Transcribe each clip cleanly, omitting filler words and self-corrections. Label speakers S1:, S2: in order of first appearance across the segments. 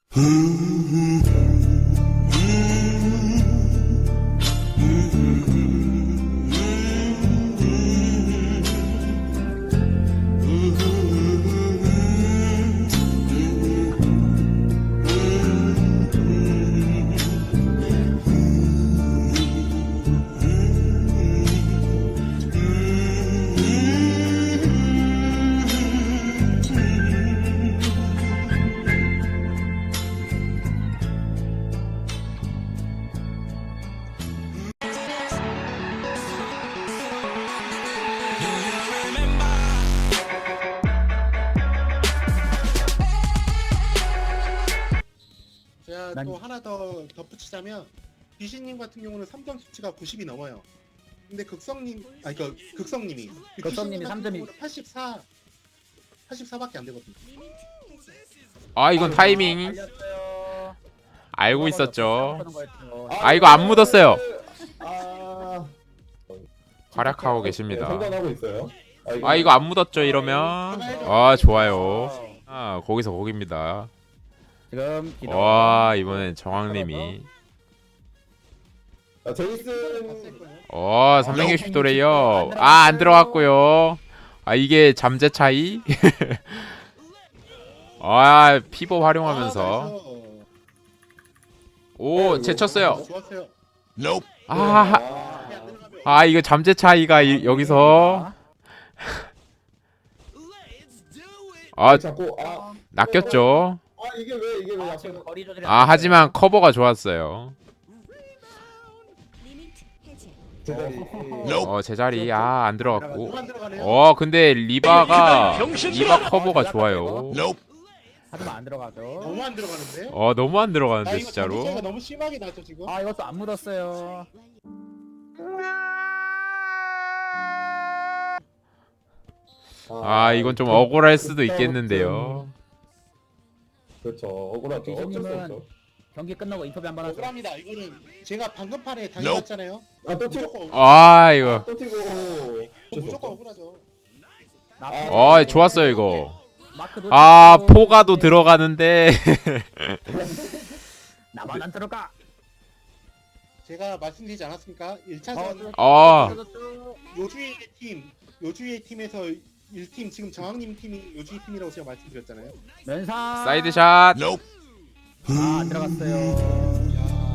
S1: 제가 또 하나 더 덧붙이자면 귀신님 같은 경우는 3점 수치가 90이 넘어요. 근데 극성님이
S2: 극성님이 3점이
S1: 84밖에 안 되거든요.
S3: 아 이건 타이밍
S2: 알렸어요.
S3: 알고 있었죠.
S2: 하는 거였죠.
S3: 아 이거 안 묻었어요.
S4: 아,
S3: 활약하고
S4: 네,
S3: 계십니다.
S4: 상관하고 있어요.
S3: 아 이거 안 묻었죠 이러면. 아 좋아요. 아 거기서 거기입니다.
S2: 지금 기도.
S3: 와 이번엔 정황님이
S4: 제이슨
S3: 360 도래요. 아 안 들어갔고요. 아 이게 잠재 차이? 아 피버 활용하면서 오 제쳤어요.
S1: 좋았어요.
S3: 아 이거 잠재 차이가 여기서 아
S4: 자꾸
S3: 낚였죠.
S4: 이게 왜 약간
S2: 지금 거리 조절이
S3: 하지만 커버가 좋았어요.
S4: 제자리
S3: 제자리 안 들어갔고.
S1: 뭐가 안 들어가네요.
S3: 근데 리바 커버가 좋아요.
S2: 하지만 안 들어가죠.
S1: 너무 안 들어가는데?
S3: 너무 안
S1: 나
S3: 들어가는데
S1: 이거
S3: 진짜로.
S1: 자체가 너무 심하게 나죠 지금.
S2: 아 이것도 안 묻었어요.
S3: 이건 좀 억울할 수도 있겠는데요.
S4: 그렇죠. 억울하죠. 어쩔 수
S2: 기준님은
S4: 없죠.
S2: 경기 끝나고 인터뷰 한번 하죠.
S1: 억울합니다. 이거는 제가 방금 판에 당해봤잖아요.
S4: 또 튀고
S1: 무조건
S3: 이거
S4: 또 튀고
S1: 무조건 억울하죠.
S3: 좋았어요 이거.
S2: 마크
S3: 포가도 들어가는데
S2: 나만 안 들어가.
S1: 제가 말씀드리지 않았습니까? 1차전 요주의 팀에서 1팀 지금 정학님 팀이 요주의 팀이라고 제가 말씀드렸잖아요.
S2: 면상.
S3: 사이드샷.
S2: 안 들어갔어요.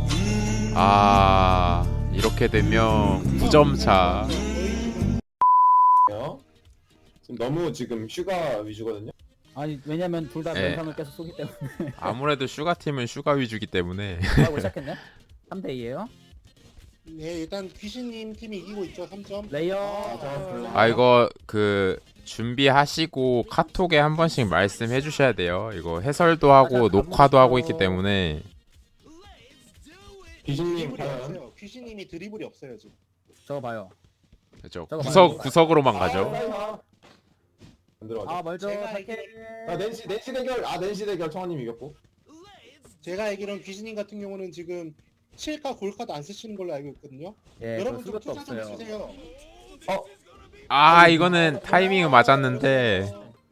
S3: 이렇게 되면 9점 차.
S4: 지금 너무 지금 슈가 위주거든요.
S2: 아니 왜냐면 둘 다
S3: 네.
S2: 면상을 계속 쏘기 때문에.
S3: 아무래도 슈가팀은 슈가 위주기 때문에.
S2: 하고 시작했네. 3대 2예요.
S1: 네, 일단 귀신님 팀이 이기고 있죠. 3점.
S2: 레이어.
S3: 이거 준비하시고 카톡에 한 번씩 말씀해 주셔야 돼요. 이거 해설도 하고 녹화도 하고 있기 때문에.
S4: 귀신님
S1: 드리블이
S4: 과연
S1: 없어요. 귀신님이 드리블이 없어요 지금.
S2: 저거 봐요.
S3: 그렇죠.
S2: 저거
S3: 구석으로만 가죠.
S4: 안 들어가죠.
S2: 멀죠.
S1: 제가
S2: 탈퇴.
S4: 낸시 대결 청아님 이겼고.
S1: 제가 알기로는 귀신님 같은 경우는 지금 7카 골카도 안 쓰시는 걸로 알고 있거든요.
S2: 예,
S1: 여러분 좀
S2: 수것도
S1: 투자 좀
S2: 없어요.
S1: 해주세요.
S3: 이거는 타이밍은 맞았는데.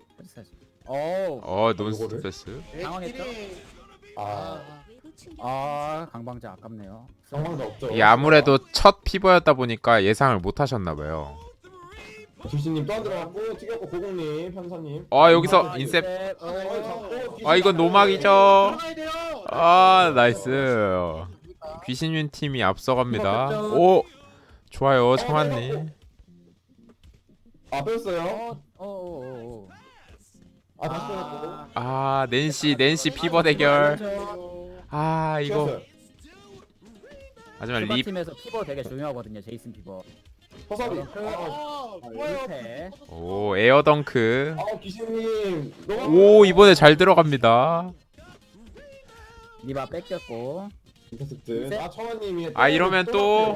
S3: 논스트레스.
S2: 당황했죠? 강방자 아깝네요.
S4: 상황도 없죠.
S3: 이게 아무래도 첫 피버였다 보니까 예상을 못 하셨나 봐요.
S4: 귀신님 또 안 들어갔고 튀겼고 고공님 현사님.
S3: 여기서 인셉. 이건 노막이죠.
S1: 들어가야 돼요.
S3: 나이스. 귀신윤 팀이 앞서갑니다. 오, 좋아요, 청한님.
S4: 뺐어요.
S3: 낸시 피버 대결. 이거. 하지만
S2: 팀에서 피버 되게 중요하거든요. 제이슨 피버.
S4: 허섭이.
S1: 좋아요.
S2: 1패.
S3: 오, 에어덩크.
S4: 귀신님.
S3: 오, 이번에 잘 들어갑니다.
S2: 리바 뺏겼고.
S4: 인터셉트. 청아님이.
S3: 이러면 또.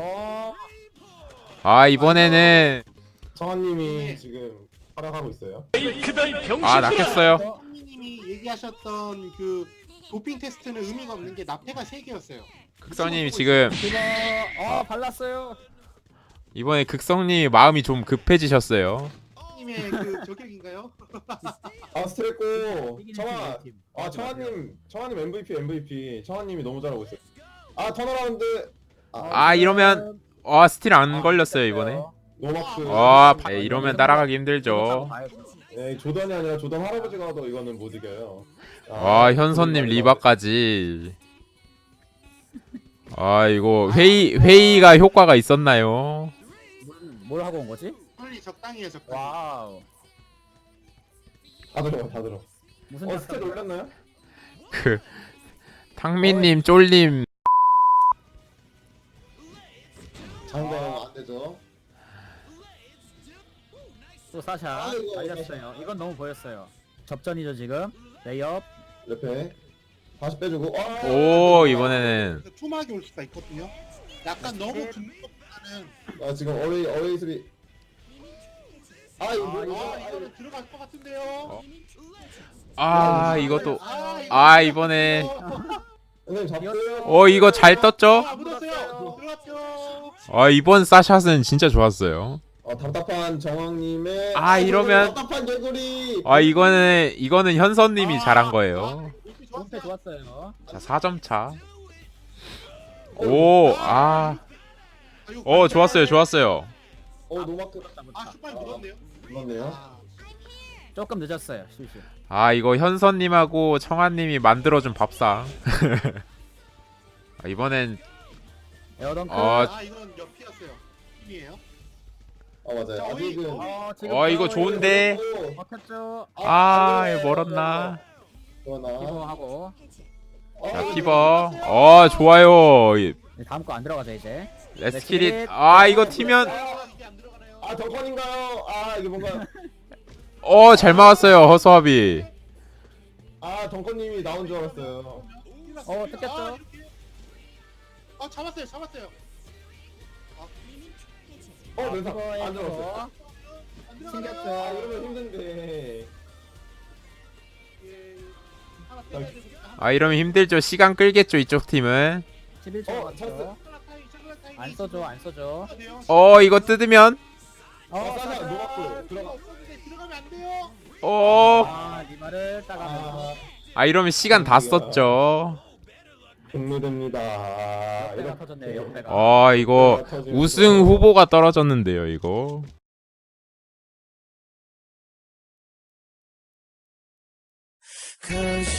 S3: 이번에는.
S4: 청아님이 지금 활약하고 있어요.
S3: 낚였어요.
S1: 님이 얘기하셨던 그 도핑 테스트는 의미가 없는 게 납패가 3개였어요.
S3: 극성님이 지금
S2: 피버. 발랐어요.
S3: 이번에 극성님이 마음이 좀 급해지셨어요.
S1: 스트레코님의 그 저격인가요?
S4: 아 스트레코
S2: 이기는
S4: 청아.
S2: 팀, 팀.
S4: 아 청아님 MVP. 청아님이 너무 잘하고 있어요. 아 턴어라운드.
S3: 아 이러면 스틸 안 걸렸어요 이번에.
S4: 노마크.
S3: 네, 이러면 따라가기 힘들죠.
S4: 네, 조던이 아니라 조던 할아버지가 더 이거는 못 이겨요.
S3: 현선님 리바까지. 이거 회의가 효과가 있었나요?
S2: 뭘 하고 온 거지?
S1: 빨리 적당히 해 적당히.
S2: 와우.
S4: 다 들어.
S2: 무슨
S4: 스탯 올렸나요?
S3: 그 탕민님 쫄님.
S4: 장담 안 되죠.
S2: 또 사샤
S4: 아이고,
S2: 달렸어요. 이건 너무 보였어요. 접전이죠 지금. 레이업.
S4: 옆에 다시 빼주고.
S3: 오 이번에는
S1: 그 투막이 올 수가 있거든요. 약간 너무 붙는 것보다는
S4: 아 지금 어레이 수비. 이거
S1: 이거는 들어갈 것 같은데요.
S3: 이것도
S1: 아
S3: 이번에
S4: 선생님 잡고요.
S3: 이거 잘 떴죠?
S1: 묻었어요. 들어갔죠.
S3: 이번 사샷은 진짜 좋았어요.
S4: 답답한 정황님의.
S3: 이러면
S4: 답답한 개구리.
S3: 이거는 현선님이 잘한 거예요.
S2: 공패 좋았어요.
S3: 자 4점 차.
S1: 이거
S3: 좋았어요.
S4: 노마크.
S1: 슈퍼이 묻었네요.
S4: 그렇네요.
S2: 조금 늦었어요. 실실.
S3: 이거 현선님하고 청아님이 만들어준 밥상. 이번엔
S2: 에어덩크.
S1: 이건 옆이었어요. 팀이에요.
S4: 맞아요. 아직은.
S2: 지금
S3: 이거 좋은데.
S2: 먹혔죠.
S3: 이거 멀었나?
S4: 그러나.
S2: 피버하고.
S3: 자 피버. 좋아요.
S2: 다음 거 안 들어가죠 이제.
S3: 레스키릿. 이거 튀면.
S1: 이게 안 들어가나요?
S4: 덩컨인가요? 이게 뭔가.
S3: 잘 막았어요 허수아비.
S4: 덩컨님이 나온 줄 알았어요.
S2: 뜯겼죠.
S1: 잡았어요.
S4: 네, 안 들어갔어요.
S2: 튕겼죠.
S4: 이러면 힘든데.
S1: 하나 빼야 되고.
S3: 이러면 힘들죠. 시간 끌겠죠 이쪽 팀은.
S2: 11초
S4: 찬스.
S2: 남았죠. 안 써줘.
S3: 이거 뜯으면.
S4: 사샤 노마크 들어가.
S1: 들어가면 안 돼요.
S2: 리마를 따가면서.
S3: 이러면 시간 다 썼죠.
S4: 종료됩니다.
S2: 옆배가 터졌네요. 옆배가.
S3: 이거 우승 후보가 떨어졌는데요 이거.
S5: Cause